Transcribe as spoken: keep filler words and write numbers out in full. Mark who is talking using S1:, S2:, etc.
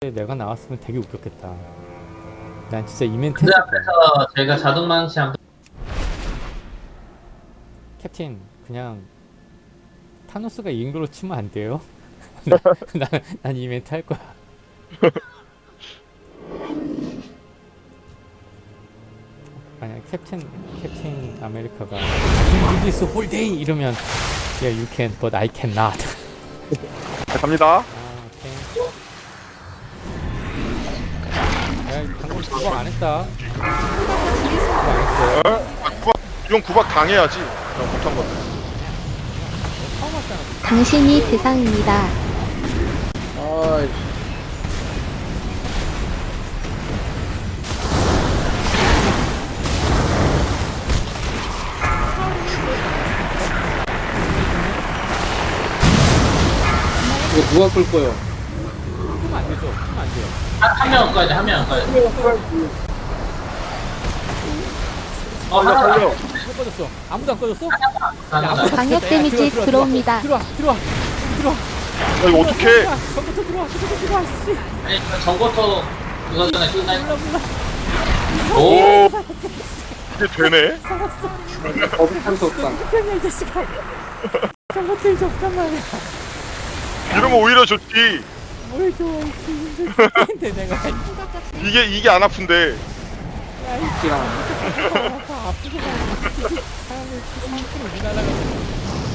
S1: 내가 나왔으면 되게 웃겼겠다. 난 진짜 이멘트
S2: 그
S1: 했을 거야.
S2: 앞에서 제가 자동망치 한번
S1: 캡틴 그냥 타노스가 이긴 걸로 치면 안 돼요? 난, 난, 난 이멘트 할 거야. 만약 캡틴 캡틴 아메리카가 I can do this whole day 이러면 Yeah you can but I cannot.
S3: 자, 갑니다.
S1: 아 오케이. 야 방금 구박 안 했다. 구박 안 했어요.
S3: 어? 아, 구박, 이건 구박 당해야지. 그냥 못한 건데.
S1: 처음 왔잖아.
S4: 당신이 대상입니다.
S5: 아이, 이거 누가 끌 거요?
S1: 하면 안 되죠. 하면 안 돼요.
S2: 한명 꺼야 돼, 한 명 꺼야 돼. 어,
S3: 살려,
S2: 하나
S3: 살려.
S1: 왜 꺼졌어? 아무도 안 꺼졌어?
S2: 하나
S4: 방역 데미지 들어옵니다.
S1: 들어와 들어와 들어와.
S3: 야, 이거 어떡해.
S1: 전부터 들어와 전부터 들어와 씨.
S2: 아니, 정보토 이거 전에 끝날
S1: 몰라 몰라.
S2: 오!
S3: 오, 이게 되네?
S5: 어비탄 속상.
S1: 편이야 이 자식아. 전부터 이제 없단 말이야.
S3: 이러면 오히려 좋지.
S1: 뭘 좋아 씨. 근데 내가
S3: 이게, 이게 안 아픈데.
S1: 야이
S5: 기랑.
S1: 아프게 가. 사람을 상처로 못 날아가.